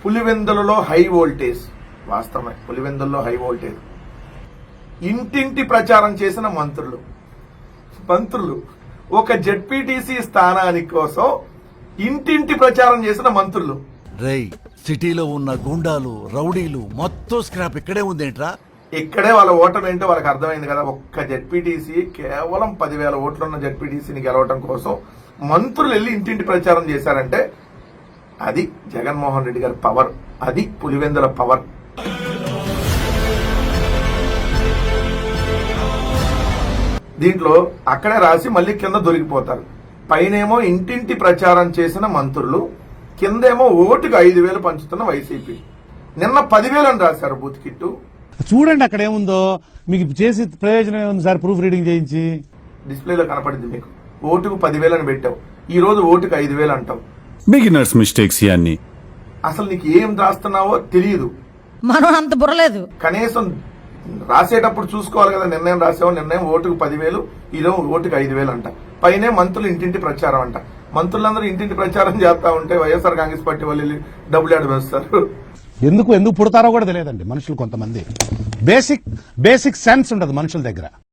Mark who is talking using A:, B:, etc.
A: పులివెందులలో high voltage, వాస్తవమే పులివెందుల్లో high voltage. ఇంటింటి ప్రచారం చేసిన మంత్రులు ఒక జెడ్పీటీసీ స్థానానికి కోసం ఇంటింటి ప్రచారం చేసిన మంత్రులు.
B: రేయ్, సిటీలో ఉన్న గుండాలు రౌడీలు మొత్తం స్క్రాప్ ఇక్కడే ఉందేంట్రా?
A: ఇక్కడే వాళ్ళ ఓటమి ఏంటో వాళ్ళకి అర్థమైంది కదా. ఒక్క జెడ్పీటీసీ, కేవలం 10,000 ఓట్లున్న జెడ్పీటీసీని గెలవడం కోసం మంత్రులు వెళ్ళి ఇంటింటి ప్రచారం చేశారంటే అది జగన్మోహన్ రెడ్డి గారి పవర్, అది పులివెందుల పవర్. దీంట్లో అక్కడే రాసి మళ్ళీ కింద దొరికిపోతారు. పైనేమో ఇంటింటి ప్రచారం చేసిన మంత్రులు, కిందేమో ఓటుకు 5,000 పంచుతున్న వైసీపీ. నిన్న 10,000 అని రాశారు బూత్ కిట్టు.
C: చూడండి అక్కడ ఏముందో, మీకు చేసి ప్రయోజనం ఏముంది సార్? ప్రూఫ్ రీడింగ్ చేయించి
A: డిస్ప్లేలో కనపడింది మీకు. ఓటుకు 10,000 అని పెట్టావు, ఈ రోజు ఓటుకు 5,000 అంటావు.
D: బిగినర్స్ మిస్టేక్స్ ఇవన్నీ.
A: అసలు నీకు ఏం రాస్తున్నావో తెలియదు.
E: మనం అంత బుర్రలేదు.
A: కనీసం రాసేటప్పుడు చూసుకోవాలి కదా. నిర్ణయం రాసావు, నిర్ణయం ఓటుకు 10,000, ఈరోజు ఓటుకు 5,000 అంట. పైనే మంత్రులు ఇంటింటి ప్రచారం అంట. మంత్రులందరూ ఇంటింటి ప్రచారం చేస్తా ఉంటే వైఎస్ఆర్ కాంగ్రెస్ పార్టీ వాళ్ళు డబ్బులు ఆడ వేస్తారు.
C: ఎందుకు పుడతారో కూడా తెలియదండి మనుషులు. కొంతమంది బేసిక్ సెన్స్ ఉండదు మనుషుల దగ్గర.